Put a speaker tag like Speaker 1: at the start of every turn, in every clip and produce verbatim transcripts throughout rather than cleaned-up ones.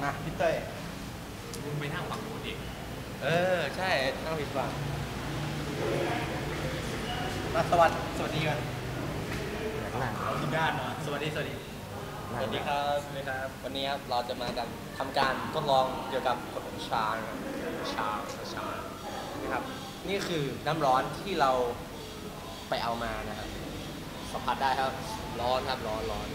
Speaker 1: มาพี่เต้ย
Speaker 2: มึงไปนั่งฝั่งนู้นดิ
Speaker 1: เออใช่นั่งผิดฝั่งมาสวัสดีสวัสดีกัน
Speaker 2: เอาที่ด้านเนาะสวัสดีสวัสดี
Speaker 1: สวัสดีครับสวัสดีครับวันนี้ครับเราจะมากันทำการทดลองเกี่ยวกับกฎของชานะครับชาชานะครับนี่คือน้ำร้อนที่เราไปเอามานะครับสัมผัสได้ครับร้อนครับร้อนร้อน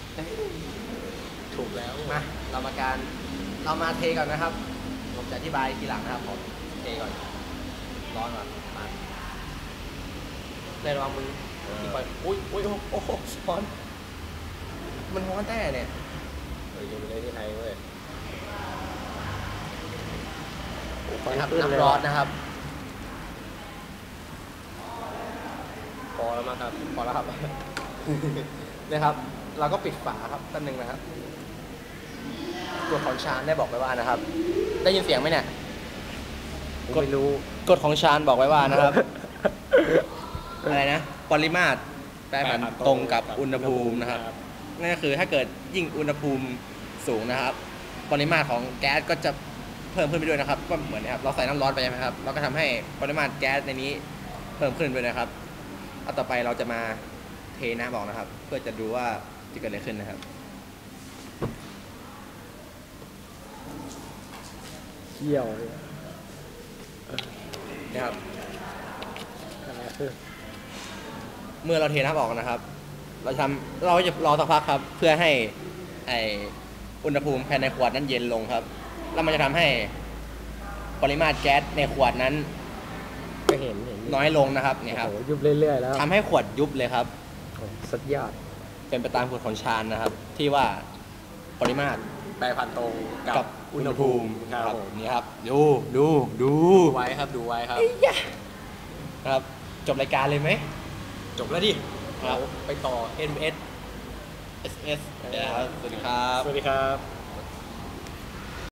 Speaker 1: ถูกแล้วมาเรามาการเรามาเทก่อนนะครับผมจะอธิบายทีหลังนะครับผมเทก่อนร้อนก่อนมาในระวังมือที่ปล่อยอุ้ยอุ้ยโอ้โหร้อนมันร้อนแน่เนี่ยเฮ้ยยังไม่ได้ที่ไทยเว้ยนะครับน้ำร้อนนะครับพอแล้วมั้งครับพอแล้วครับ นะครับเราก็ปิดฝาครับตั้งหนึ่งนะครับกฎของชานได้บอกไว้ว่านะครับได้ยินเสียงไหมเนี่ยกฎไม่รู้กฎของชานบอกไว้ว่านะครับ อะไรนะปริมาตรแปรผันตรงกับอุณหภูมินะครับนั่นก็คือถ้าเกิดยิ่งอุณหภูมิสูงนะครับปริมาตรของแก๊สก็จะเพิ่มขึ้นไปด้วยนะครับก็เหมือนนะครับเราใส่น้ำร้อนไปใช่ไหมครับเราก็ทำให้ปริมาตรแก๊สในนี้เพิ่มขึ้นไปนะครับเอาต่อไปเราจะมาเทน้ำออกนะครับ เพื่อจะดูว่าจะเกิดอะไรขึ้นนะครับ
Speaker 3: เขี่ยว
Speaker 1: นะครับ
Speaker 3: อะไรคือ
Speaker 1: เมื่อเราเทน้ำออกนะครับ เราทำเราจะรอสักพักครับ เพื่อให้ไออุณหภูมิภายในขวดนั้นเย็นลงครับแล้วมันจะทำให้ปริมาตรแก๊สในขวดนั้น
Speaker 3: ก็เห็นเห็น
Speaker 1: น้อยลงนะครับเนี่ยครับ
Speaker 3: โอ้โหยุบเรื่อยๆแล้ว
Speaker 1: ทำให้ขวดยุบเลยครับ
Speaker 3: โอ้สุดยอด
Speaker 1: เป็นไปตามกฎของชาญนะครับ ที่ว่าปริมาตร
Speaker 2: แปรผันตรง
Speaker 1: กับอุณหภูมิครับนี่ครับดูดูดู
Speaker 2: ดูไว้ครับดูไว้ครับ
Speaker 1: ครับจบรายการเลยไหม
Speaker 2: จบแล้วดิ
Speaker 1: ครับไปต่อ เอ็น เอส เอส เอส สวัสดีครับ
Speaker 3: สวัสดีครับ